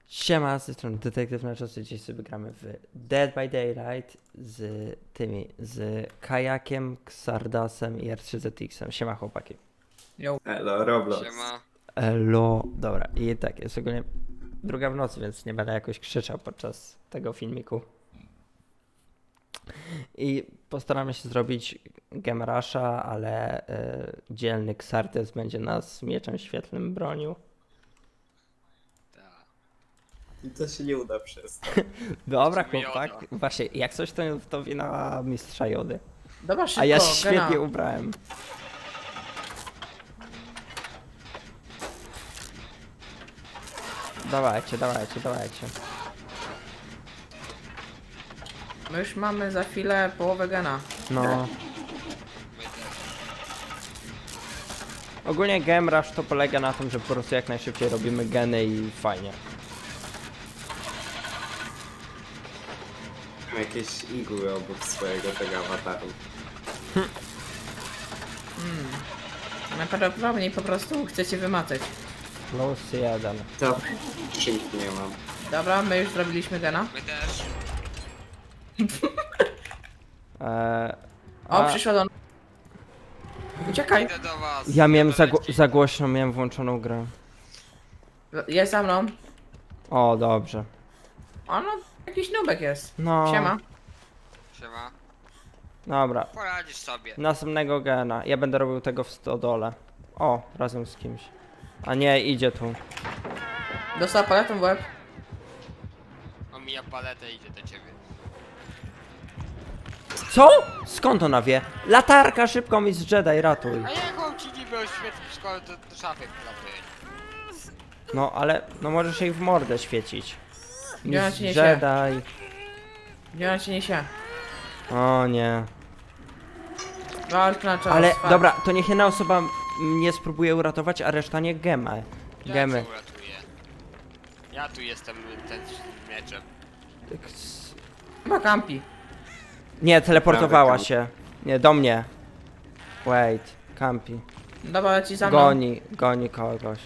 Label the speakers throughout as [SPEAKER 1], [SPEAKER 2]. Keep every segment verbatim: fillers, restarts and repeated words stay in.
[SPEAKER 1] Siema, z tej strony Detektyw na czasie. Dzisiaj sobie gramy w Dead by Daylight z tymi, z Kajakiem, Xardasem i R trzy Z X-em. Siema chłopaki.
[SPEAKER 2] Yo.
[SPEAKER 3] Elo, Roblox.
[SPEAKER 4] Siema.
[SPEAKER 1] Elo, dobra i tak, jest ogólnie druga w nocy, więc nie będę jakoś krzyczał podczas tego filmiku. I postaramy się zrobić Game Rusha, ale y, dzielny Xardas będzie nas mieczem świetlnym bronił.
[SPEAKER 4] Tak.
[SPEAKER 3] I to się nie uda przez to.
[SPEAKER 1] Dobra
[SPEAKER 4] Zobaczymy
[SPEAKER 1] chłopak,
[SPEAKER 4] Joda.
[SPEAKER 1] właśnie jak coś to, to wina mistrza Jody.
[SPEAKER 2] Dobra, szybko,
[SPEAKER 1] A ja się
[SPEAKER 2] gena.
[SPEAKER 1] świetnie ubrałem. Dawajcie, dawajcie, dawajcie.
[SPEAKER 2] My już mamy za chwilę połowę gena.
[SPEAKER 1] No.
[SPEAKER 4] My też.
[SPEAKER 1] Ogólnie Game Rush to polega na tym, że po prostu jak najszybciej robimy geny i fajnie.
[SPEAKER 3] Mam jakieś igły obok swojego tego awataru.
[SPEAKER 2] Najprawdopodobniej po prostu chcecie wymacać.
[SPEAKER 1] Plus jeden.
[SPEAKER 3] To skrzynki nie mam.
[SPEAKER 2] Dobra, my już zrobiliśmy gena.
[SPEAKER 4] My też.
[SPEAKER 1] Eee,
[SPEAKER 2] O,
[SPEAKER 1] a
[SPEAKER 2] przyszła do nas. Uciekaj!
[SPEAKER 4] Idę do was.
[SPEAKER 1] ja miałem za,
[SPEAKER 4] Doleci.
[SPEAKER 1] za głośno, miałem włączoną grę.
[SPEAKER 2] Jest za mną.
[SPEAKER 1] O, dobrze.
[SPEAKER 2] O, no, jakiś nubek jest.
[SPEAKER 1] No.
[SPEAKER 2] Siema.
[SPEAKER 4] Siema.
[SPEAKER 1] Dobra.
[SPEAKER 4] Poradzisz sobie.
[SPEAKER 1] Następnego gena. Ja będę robił tego w stodole. O, razem z kimś. A nie, idzie tu.
[SPEAKER 2] Dostała paletą w łeb.
[SPEAKER 4] Omija paletę i idzie do ciebie.
[SPEAKER 1] Co? Skąd ona wie? Latarka, szybko mi z Jedi, ratuj.
[SPEAKER 4] A jak mam ci niby oświetlić szkołę, to do szafy wlatuje.
[SPEAKER 1] No ale, no możesz jej w mordę świecić.
[SPEAKER 2] Gdzie ona
[SPEAKER 1] Mistrz
[SPEAKER 2] ci niesie?
[SPEAKER 1] Jedi.
[SPEAKER 2] Gdzie ona ci niesie?
[SPEAKER 1] O nie.
[SPEAKER 2] Walcz na czas.
[SPEAKER 1] Ale
[SPEAKER 2] fuck.
[SPEAKER 1] dobra, to niech jedna osoba mnie spróbuje uratować, a reszta nie gemę.
[SPEAKER 4] Ja
[SPEAKER 1] Gemy.
[SPEAKER 4] cię uratuję. Ja tu jestem ten z mieczem.
[SPEAKER 1] Ks-
[SPEAKER 2] Chyba kampi.
[SPEAKER 1] Nie, teleportowała
[SPEAKER 3] Prawy
[SPEAKER 1] się. Nie, do mnie. Wait, campi.
[SPEAKER 2] Dobra, leci za mną.
[SPEAKER 1] Goni, goni kogoś.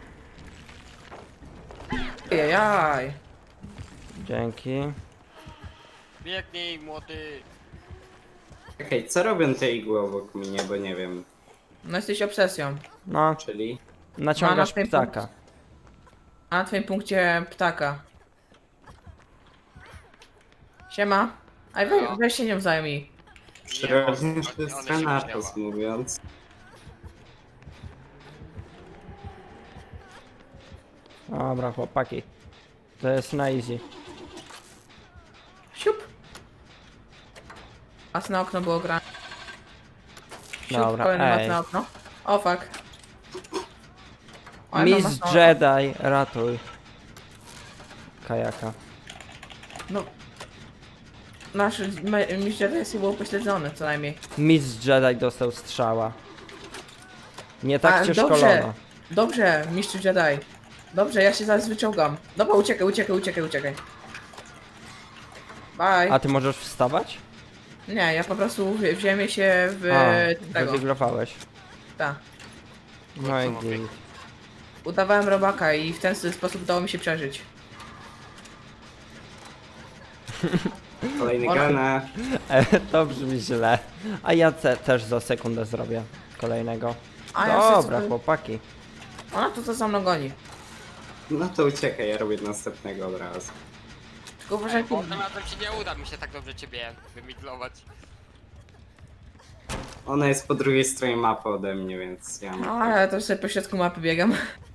[SPEAKER 2] Jajaj.
[SPEAKER 1] Dzięki.
[SPEAKER 4] Biegnij, młody.
[SPEAKER 3] Okej, co robią te igły obok mnie, bo nie wiem.
[SPEAKER 2] No jesteś obsesją.
[SPEAKER 1] No,
[SPEAKER 3] Czyli?
[SPEAKER 1] naciągasz
[SPEAKER 2] Na- na
[SPEAKER 1] ptaka.
[SPEAKER 2] A na twoim punkcie ptaka. Siema. Aj, we,
[SPEAKER 4] No.
[SPEAKER 2] weź się nią zajmij.
[SPEAKER 3] Przyrodnie
[SPEAKER 4] on-
[SPEAKER 3] to jest
[SPEAKER 4] ona się
[SPEAKER 3] Thanatos
[SPEAKER 4] minęła.
[SPEAKER 3] mówiąc.
[SPEAKER 1] Dobra, chłopaki. To jest na easy.
[SPEAKER 2] Siup. Mas na okno było grane. Siup,
[SPEAKER 1] Dobra,
[SPEAKER 2] kolejny mas
[SPEAKER 1] ej.
[SPEAKER 2] na okno. O fuck. Oj, no, mas
[SPEAKER 1] Mistrz
[SPEAKER 2] na okno.
[SPEAKER 1] Jedi, ratuj. Kajaka.
[SPEAKER 2] No. Nasz me- mistrz Jedi był upośledzony co najmniej.
[SPEAKER 1] Mistrz Jedi dostał strzała. Nie tak
[SPEAKER 2] A,
[SPEAKER 1] cię
[SPEAKER 2] dobrze.
[SPEAKER 1] szkolono.
[SPEAKER 2] Dobrze, mistrz Jedi. Dobrze, ja się zaraz wyciągam. Dobra, uciekaj, uciekaj, uciekaj, uciekaj. Bye.
[SPEAKER 1] A ty możesz wstawać?
[SPEAKER 2] Nie, ja po prostu w, w ziemię się w
[SPEAKER 1] A,
[SPEAKER 2] tego.
[SPEAKER 1] wywiglowałeś.
[SPEAKER 2] Tak.
[SPEAKER 1] No i
[SPEAKER 4] Co ma
[SPEAKER 1] git.
[SPEAKER 2] Udawałem robaka i w ten sposób udało mi się przeżyć.
[SPEAKER 3] Kolejny
[SPEAKER 2] Ona-
[SPEAKER 3] gana.
[SPEAKER 1] E, to brzmi źle. A ja te, też za sekundę zrobię kolejnego.
[SPEAKER 2] A ja sobie
[SPEAKER 1] Dobra,
[SPEAKER 2] sobie-
[SPEAKER 1] chłopaki.
[SPEAKER 2] Ona to co za mną goni.
[SPEAKER 3] No to uciekaj, ja robię następnego od razu.
[SPEAKER 2] Tylko uważaj,
[SPEAKER 4] Bo tym razem ci nie uda mi się tak dobrze ciebie wymiglować.
[SPEAKER 3] Ona jest po drugiej stronie mapy ode mnie, więc ja mam...
[SPEAKER 2] A ja to sobie po środku mapy biegam.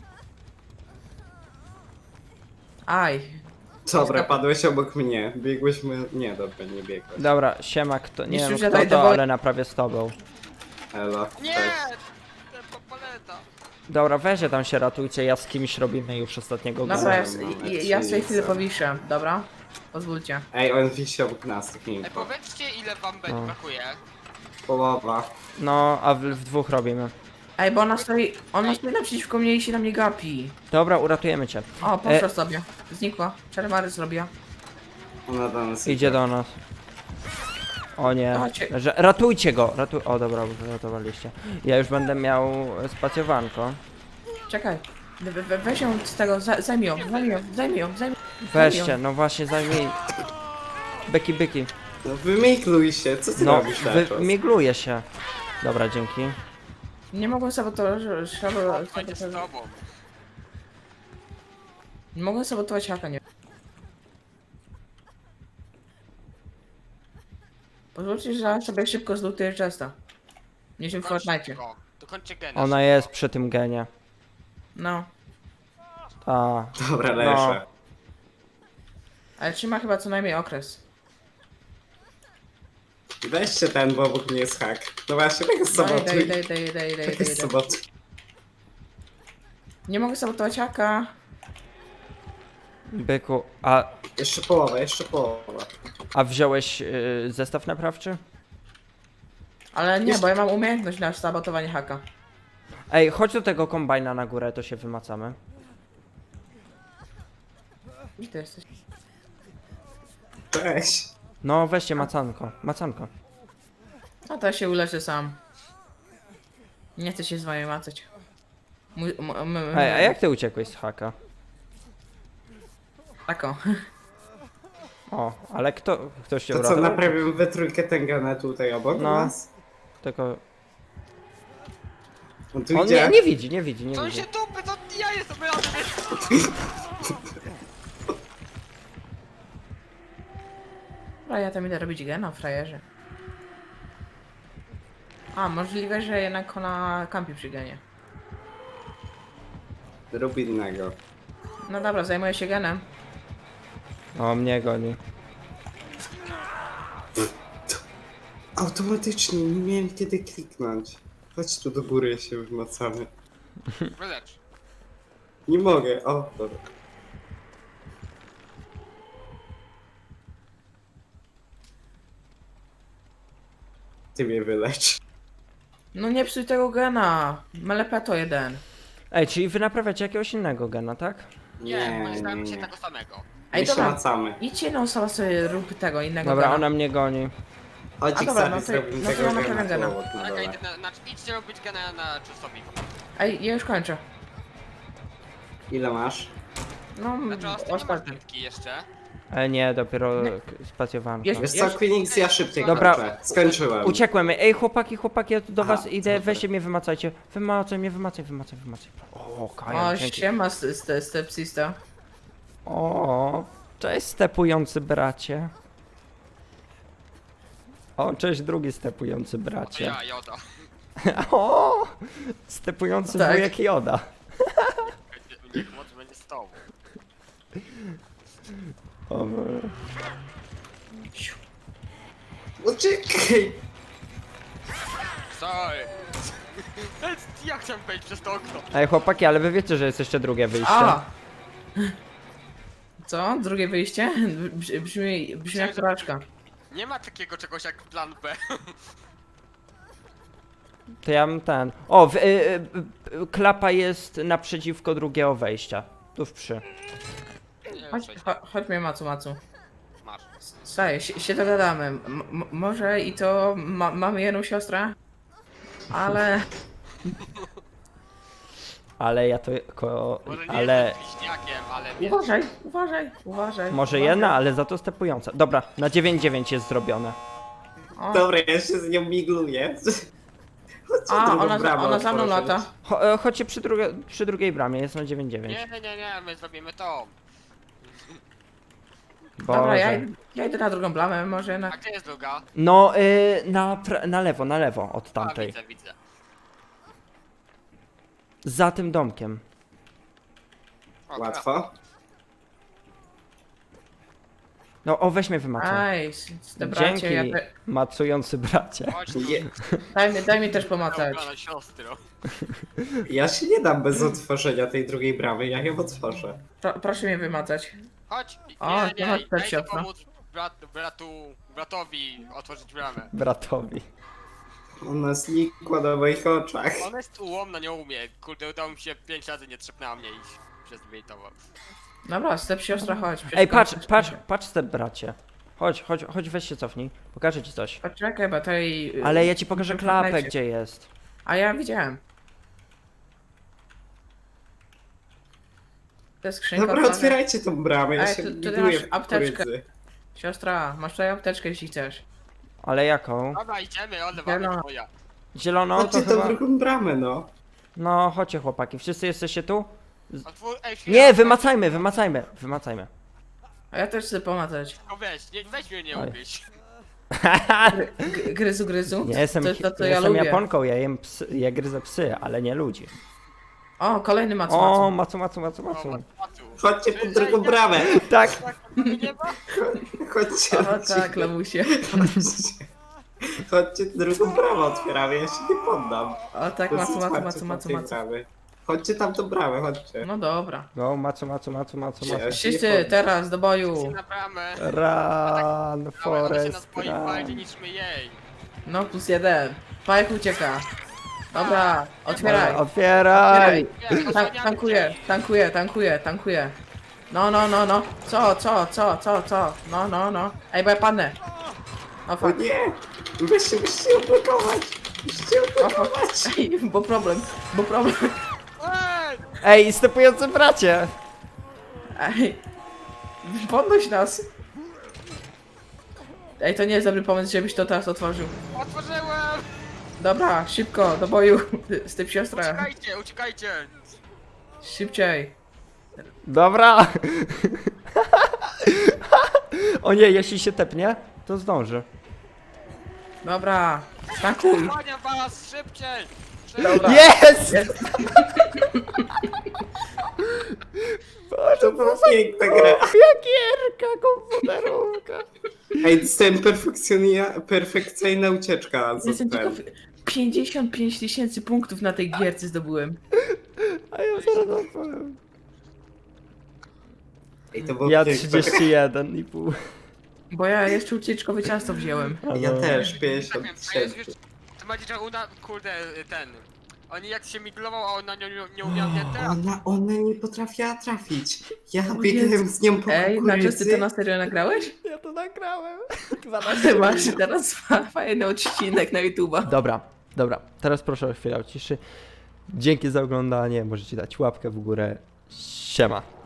[SPEAKER 2] Aj.
[SPEAKER 3] Dobra, padłeś obok mnie. Biegłyśmy... Nie, dobra, nie biegłeś.
[SPEAKER 1] Dobra, siema, kto, nie
[SPEAKER 2] Mistrzu
[SPEAKER 1] wiem
[SPEAKER 2] Jedi,
[SPEAKER 1] kto to,
[SPEAKER 2] dowol-
[SPEAKER 1] ale naprawię z tobą.
[SPEAKER 3] Elo,
[SPEAKER 4] Nie!
[SPEAKER 3] cześć.
[SPEAKER 4] Ten paleta.
[SPEAKER 1] Dobra, weźcie tam się ratujcie, ja z kimś robimy już ostatniego
[SPEAKER 2] Dobra,
[SPEAKER 1] gana.
[SPEAKER 2] ja,
[SPEAKER 3] mamy
[SPEAKER 2] ja, ja sobie chwilę
[SPEAKER 3] trzy
[SPEAKER 2] powiszę, dobra? Pozwólcie.
[SPEAKER 3] Ej, on wisi obok nas, tak
[SPEAKER 4] Ej,
[SPEAKER 3] info.
[SPEAKER 4] powiedzcie ile wam będzie
[SPEAKER 1] No.
[SPEAKER 4] brakuje.
[SPEAKER 3] Połowa.
[SPEAKER 1] No, a w, w dwóch robimy.
[SPEAKER 2] Ej, bo ona stoi, ona stoi naprzeciwko mnie i się na mnie gapi.
[SPEAKER 1] Dobra, uratujemy cię.
[SPEAKER 2] O, poszła
[SPEAKER 1] E-
[SPEAKER 2] sobie. Znikła. Czerwary zrobiła.
[SPEAKER 3] Ona do nas
[SPEAKER 1] Idzie do nas. O nie,
[SPEAKER 2] Dawajcie.
[SPEAKER 1] że, ratujcie go, ratuj... O dobra, ratowaliście. Ja już będę miał spacjowanko.
[SPEAKER 2] Czekaj. We, we, weź ją z tego, za- zajmij ją, zajmij ją, zajmij ją, zajmij
[SPEAKER 1] Weźcie, no właśnie zajmij. Byki, byki.
[SPEAKER 3] No wymigluj się, co ty
[SPEAKER 1] No,
[SPEAKER 3] robisz na czas?
[SPEAKER 1] wymigluje się. Dobra, dzięki.
[SPEAKER 2] Nie mogłem sabotować, sabotować,
[SPEAKER 4] Fajnie z
[SPEAKER 2] sabotować.
[SPEAKER 4] tobą.
[SPEAKER 2] Nie mogłem sabotować haka, nie. Pozwólcie, że ja sobie szybko zlutuję Chesta. Nie się w Fortnite.
[SPEAKER 4] Go. Dokończcie gena.
[SPEAKER 1] Ona jest przy tym genie.
[SPEAKER 2] No.
[SPEAKER 1] Ta.
[SPEAKER 3] Dobra,
[SPEAKER 1] No.
[SPEAKER 3] leszę.
[SPEAKER 2] Ale trzyma chyba co najmniej okres.
[SPEAKER 3] Weźcie ten, bo obok mnie jest hak. No właśnie, tak jest
[SPEAKER 2] Daj, daj,
[SPEAKER 3] sabotuj.
[SPEAKER 2] daj, daj, daj, daj,
[SPEAKER 3] Tak
[SPEAKER 2] daj,
[SPEAKER 3] jest
[SPEAKER 2] daj.
[SPEAKER 3] sabotuj.
[SPEAKER 2] Nie mogę sabotować haka.
[SPEAKER 1] Byku, a,
[SPEAKER 3] Jeszcze połowa, jeszcze połowa.
[SPEAKER 1] a wziąłeś y, zestaw naprawczy?
[SPEAKER 2] Ale nie,
[SPEAKER 3] Jest-
[SPEAKER 2] bo ja mam umiejętność na sabotowanie haka.
[SPEAKER 1] Ej, chodź do tego kombajna na górę, to się wymacamy.
[SPEAKER 2] Gdzie ty jesteś?
[SPEAKER 3] Cześć.
[SPEAKER 1] No weźcie macanko, macanko.
[SPEAKER 2] A to ja się uleczę sam. Nie chcę się z wami macać. Mój, m, m, m,
[SPEAKER 1] Ej, a jak ty uciekłeś z haka?
[SPEAKER 2] Taką.
[SPEAKER 1] O, ale kto, ktoś cię
[SPEAKER 3] To co,
[SPEAKER 1] uratował?
[SPEAKER 3] naprawimy we trójkę Tengana tutaj obok
[SPEAKER 1] No.
[SPEAKER 3] nas?
[SPEAKER 1] Tylko...
[SPEAKER 3] On tu
[SPEAKER 1] On
[SPEAKER 3] idzie.
[SPEAKER 1] nie, nie widzi, nie widzi, nie
[SPEAKER 4] To
[SPEAKER 1] widzi.
[SPEAKER 4] się dupy, to ja jestem razem.
[SPEAKER 2] Dobra, ja tam idę robić gena, frajerze. A, możliwe, że jednak ona kampi przy genie.
[SPEAKER 3] Rób innego.
[SPEAKER 2] No dobra, zajmuję się genem.
[SPEAKER 1] O, mnie goni.
[SPEAKER 3] Automatycznie, nie miałem kiedy kliknąć. Chodź tu do góry, się wymacamy.
[SPEAKER 4] Wylecz.
[SPEAKER 3] Nie mogę, o, dobra. Ty mnie wylecz.
[SPEAKER 2] No nie psuj tego gena. Melepeto jeden.
[SPEAKER 1] Ej, czyli wy naprawiacie jakiegoś innego gena, tak?
[SPEAKER 4] Nie,
[SPEAKER 3] nie,
[SPEAKER 4] myślałem
[SPEAKER 3] nie.
[SPEAKER 4] się tego samego.
[SPEAKER 2] Ej,
[SPEAKER 3] My się
[SPEAKER 2] dobra.
[SPEAKER 3] macamy.
[SPEAKER 2] Idźcie no sama sobie rób tego innego
[SPEAKER 1] Dobra,
[SPEAKER 2] gena.
[SPEAKER 1] ona mnie goni.
[SPEAKER 3] Chodź,
[SPEAKER 2] A dobra,
[SPEAKER 3] sobie
[SPEAKER 2] no to-
[SPEAKER 3] zrobimy
[SPEAKER 2] no to
[SPEAKER 3] tego
[SPEAKER 2] ja
[SPEAKER 3] gena
[SPEAKER 2] naprawiam
[SPEAKER 3] tu
[SPEAKER 2] gena.
[SPEAKER 3] obok na
[SPEAKER 4] Ale
[SPEAKER 3] dole.
[SPEAKER 4] idę na, na, idźcie robić gena na czystowi.
[SPEAKER 2] Ej, ja już kończę.
[SPEAKER 3] Ile masz?
[SPEAKER 2] No,
[SPEAKER 4] Znaczy, ostatnio masz
[SPEAKER 2] ostatni.
[SPEAKER 4] dętki jeszcze.
[SPEAKER 1] E, nie, dopiero
[SPEAKER 2] Nie.
[SPEAKER 1] k- spacjowanko.
[SPEAKER 2] Jest-
[SPEAKER 3] Wiesz co, Queenix, ja szybciej
[SPEAKER 1] Dobra.
[SPEAKER 3] kończę. Skończyłem.
[SPEAKER 1] Uciekłem. Ej, chłopaki, chłopaki, ja tu do
[SPEAKER 3] Aha,
[SPEAKER 1] was idę,
[SPEAKER 3] super.
[SPEAKER 1] weźcie mnie, wymacajcie. Wymacaj mnie, wymacaj, wymacaj, wymacaj. O, Kaja,
[SPEAKER 2] O,
[SPEAKER 1] dzięki.
[SPEAKER 2] siema, st- st- stepsista.
[SPEAKER 1] O, cześć stepujący bracie. O, cześć drugi stepujący
[SPEAKER 4] To
[SPEAKER 1] bracie.
[SPEAKER 4] ja, Joda.
[SPEAKER 1] O, stepujący
[SPEAKER 2] Tak.
[SPEAKER 1] wujek Joda.
[SPEAKER 4] Niech moc będzie z tobą.
[SPEAKER 1] O,
[SPEAKER 3] Uciekaj!
[SPEAKER 4] Sorry. Ja chciałem wejść przez to okno.
[SPEAKER 1] Ej, chłopaki, ale wy wiecie, że jest jeszcze drugie wyjście.
[SPEAKER 2] A! Co? Drugie wyjście? Brzmi, brzmi, brzmi jak porażka.
[SPEAKER 4] Nie ma takiego czegoś jak plan B.
[SPEAKER 1] To ja mam ten. O, w, y, y, y, klapa jest naprzeciwko drugiego wejścia. Tuż przy.
[SPEAKER 4] Nie,
[SPEAKER 2] Chodź,
[SPEAKER 4] przejść.
[SPEAKER 2] cho, chodź mnie Macu, Macu.
[SPEAKER 4] Masz.
[SPEAKER 2] Słuchaj, się, się dogadamy. M m- może i to ma mamy jedną siostrę, ale...
[SPEAKER 1] Ale ja to. Ko,
[SPEAKER 4] Może nie
[SPEAKER 1] ale.
[SPEAKER 4] jestem bliźniakiem, ale wiesz.
[SPEAKER 2] Uważaj, uważaj, uważaj.
[SPEAKER 1] Może
[SPEAKER 2] uważaj.
[SPEAKER 1] jedna, ale za to stepująca. Dobra, na dziewięć dziewięć jest zrobione.
[SPEAKER 2] O,
[SPEAKER 3] Dobra, ja się z nią migluję. Chodźcie
[SPEAKER 2] a,
[SPEAKER 3] drugą
[SPEAKER 2] ona,
[SPEAKER 3] bramę
[SPEAKER 2] ona za mną
[SPEAKER 3] otworzyć.
[SPEAKER 2] lata.
[SPEAKER 1] Cho, e, chodźcie przy, drugie, przy drugiej bramie, jest na dziewięć dziewięć.
[SPEAKER 4] Nie, nie, nie, nie, my zrobimy to.
[SPEAKER 2] Dobra, ja,
[SPEAKER 1] Boże.
[SPEAKER 2] ja idę na drugą blamę, może
[SPEAKER 4] A
[SPEAKER 2] jednak...
[SPEAKER 4] gdzie jest druga?
[SPEAKER 1] No, y, na, pra- na lewo, na lewo od
[SPEAKER 4] A,
[SPEAKER 1] tamtej.
[SPEAKER 4] widzę, widzę.
[SPEAKER 1] Za tym domkiem.
[SPEAKER 4] O,
[SPEAKER 3] Łatwo?
[SPEAKER 1] No, o, weź mnie wymacaj.
[SPEAKER 2] Aj, te bracie,
[SPEAKER 1] Dzięki,
[SPEAKER 2] ja te...
[SPEAKER 1] macujący bracie.
[SPEAKER 4] Chodź tu.
[SPEAKER 3] Je,
[SPEAKER 2] Daj mi, daj mi też pomacać.
[SPEAKER 4] Ubrana siostro.
[SPEAKER 3] ja się nie dam bez otworzenia tej drugiej bramy, ja ją otworzę.
[SPEAKER 2] Pro, proszę mnie wymacać.
[SPEAKER 4] Chodź.
[SPEAKER 2] O,
[SPEAKER 4] Nie,
[SPEAKER 2] to
[SPEAKER 4] nie,
[SPEAKER 2] chodź,
[SPEAKER 4] nie,
[SPEAKER 2] też
[SPEAKER 4] daj
[SPEAKER 2] siostra.
[SPEAKER 4] pomóc brat, bratu, bratowi otworzyć bramę.
[SPEAKER 1] Bratowi.
[SPEAKER 3] Ona znikła na moich oczach.
[SPEAKER 4] Ona jest ułomna, nie umie. Kurde, udało mi się pięć razy nie trzepnęła mnie i się zbejtował.
[SPEAKER 2] Dobra, step siostra, chodź.
[SPEAKER 1] Ej, patrz,
[SPEAKER 2] przeskoczysz.
[SPEAKER 1] patrz, patrz te bracie. Chodź, chodź, chodź, weź się cofnij. Pokażę ci coś.
[SPEAKER 2] Poczekaj, bo to jej...
[SPEAKER 1] Ale ja ci pokażę
[SPEAKER 2] w
[SPEAKER 1] klapę,
[SPEAKER 2] internecie.
[SPEAKER 1] gdzie jest.
[SPEAKER 2] A ja widziałem. To jest skrzynka.
[SPEAKER 3] Dobra,
[SPEAKER 2] otwarta.
[SPEAKER 3] otwierajcie tą bramę, ja
[SPEAKER 2] Ej,
[SPEAKER 3] się
[SPEAKER 2] to- to ty
[SPEAKER 3] buduję
[SPEAKER 2] masz
[SPEAKER 3] w
[SPEAKER 2] apteczkę.
[SPEAKER 3] kukurydzy.
[SPEAKER 2] Siostra, masz tutaj apteczkę, jeśli chcesz.
[SPEAKER 1] Ale jaką?
[SPEAKER 4] Dobra, idziemy, odlewamy
[SPEAKER 2] Zielona.
[SPEAKER 4] twoja.
[SPEAKER 1] Zieloną to
[SPEAKER 3] Chodźcie tą
[SPEAKER 1] chyba...
[SPEAKER 3] drugą bramę, no.
[SPEAKER 1] No, chodźcie chłopaki, wszyscy jesteście tu?
[SPEAKER 4] Otwór, ej, chwila,
[SPEAKER 1] Nie, wymacajmy, wymacajmy, wymacajmy.
[SPEAKER 2] A ja też chcę pomacać.
[SPEAKER 4] No weź, nie, weź mnie nie
[SPEAKER 1] Oj.
[SPEAKER 4] ugryź.
[SPEAKER 2] G- gryzu, gryzu.
[SPEAKER 1] Nie jestem,
[SPEAKER 2] To jest to, co
[SPEAKER 1] nie
[SPEAKER 2] ja
[SPEAKER 1] jestem
[SPEAKER 2] lubię.
[SPEAKER 1] Japonką, ja jem psy, ja gryzę psy, ale nie ludzi.
[SPEAKER 2] O, kolejny macu,
[SPEAKER 1] O,
[SPEAKER 2] macu.
[SPEAKER 1] macu, macu, macu,
[SPEAKER 4] O,
[SPEAKER 1] macu.
[SPEAKER 4] Matu.
[SPEAKER 3] Chodźcie pod drugą bramę.
[SPEAKER 1] Tak,
[SPEAKER 4] Nie ma?
[SPEAKER 3] Chodźcie,
[SPEAKER 2] O
[SPEAKER 3] chodźcie.
[SPEAKER 2] tak, lamusie.
[SPEAKER 3] Chodźcie drugą bramę otwieramy, ja się nie poddam.
[SPEAKER 2] O tak,
[SPEAKER 3] To
[SPEAKER 2] macu,
[SPEAKER 3] jest
[SPEAKER 2] macu,
[SPEAKER 3] otwarcie
[SPEAKER 2] macu, macu,
[SPEAKER 3] tamtej
[SPEAKER 2] macu.
[SPEAKER 3] bramy. Chodźcie tam tą bramę, chodźcie.
[SPEAKER 2] No dobra.
[SPEAKER 1] no, macu, macu, macu, macu,
[SPEAKER 3] Ja
[SPEAKER 1] macu.
[SPEAKER 3] się nie
[SPEAKER 2] Wszyscy
[SPEAKER 3] poddam.
[SPEAKER 2] teraz do
[SPEAKER 4] Się
[SPEAKER 2] boju.
[SPEAKER 4] na bramę.
[SPEAKER 1] Run,
[SPEAKER 4] Ale ona się
[SPEAKER 1] Forest,
[SPEAKER 4] nas boi bardziej
[SPEAKER 1] run.
[SPEAKER 4] niż my jej.
[SPEAKER 2] No plus jeden. Pajek ucieka. Dobra, otwieraj.
[SPEAKER 1] Otwieraj!
[SPEAKER 2] Otwieraj.
[SPEAKER 4] Nie,
[SPEAKER 2] Tan
[SPEAKER 4] osłaniamy
[SPEAKER 2] tankuję,
[SPEAKER 4] cię.
[SPEAKER 2] tankuję, tankuję, tankuję. No, no, no, no. Co, co, co, co, co? No, no, no. Ej, bo ja padnę. O
[SPEAKER 3] O
[SPEAKER 2] fuck.
[SPEAKER 3] nie! Weźcie, musicie odblokować! Musicie
[SPEAKER 2] O fuck.
[SPEAKER 3] odblokować!
[SPEAKER 2] Ej, bo problem, bo problem.
[SPEAKER 4] Ej!
[SPEAKER 1] Ej, stepujący bracie!
[SPEAKER 2] Ej. Podnoś nas. Ej, to nie jest dobry pomysł, żebyś to teraz otworzył.
[SPEAKER 4] Otworzyłem!
[SPEAKER 2] Dobra, szybko, do boju. Z tym siostra.
[SPEAKER 4] Uciekajcie, uciekajcie!
[SPEAKER 2] Szybciej.
[SPEAKER 1] Dobra! O nie, jeśli się tepnie, to zdąży.
[SPEAKER 2] Dobra, tankuj.
[SPEAKER 4] Osłaniam was, szybciej! Szybciej!
[SPEAKER 2] Dobra.
[SPEAKER 1] Jest!
[SPEAKER 2] Jest.
[SPEAKER 3] To była piękna gra.
[SPEAKER 1] Gierka komputerówka.
[SPEAKER 3] Ej, dostałem perfekcjonia- perfekcyjna ucieczka z
[SPEAKER 2] Jestem
[SPEAKER 3] ten.
[SPEAKER 2] ciekaw. pięćdziesiąt pięć tysięcy punktów na tej gierce zdobyłem.
[SPEAKER 1] A ja zaraz odpowiem.
[SPEAKER 3] Ej, to było
[SPEAKER 1] Ja
[SPEAKER 3] piękna
[SPEAKER 1] trzydzieści jeden i pół.
[SPEAKER 2] Bo ja jeszcze ucieczkowe ciasto wziąłem.
[SPEAKER 3] gra. Ja też,
[SPEAKER 4] Tak
[SPEAKER 3] pięćdziesiąt
[SPEAKER 4] wiem, a jest
[SPEAKER 3] trzy.
[SPEAKER 4] już... To będzie, że uda... Kurde, ten... Oni jak się miglował, a ona nie, nie umiała mnie teraz.
[SPEAKER 3] Ona, ona nie potrafiła trafić. Ja
[SPEAKER 2] O
[SPEAKER 3] biegłem
[SPEAKER 2] Jezu.
[SPEAKER 3] z nią po
[SPEAKER 2] Ej, na ty
[SPEAKER 3] kukurydzy.
[SPEAKER 2] to na serio nagrałeś?
[SPEAKER 1] Ja to nagrałem.
[SPEAKER 2] Ty masz teraz fajny odcinek na YouTube'a.
[SPEAKER 1] Dobra, dobra. Teraz proszę o chwilę o ciszy. Dzięki za oglądanie. Możecie dać łapkę w górę. Siema.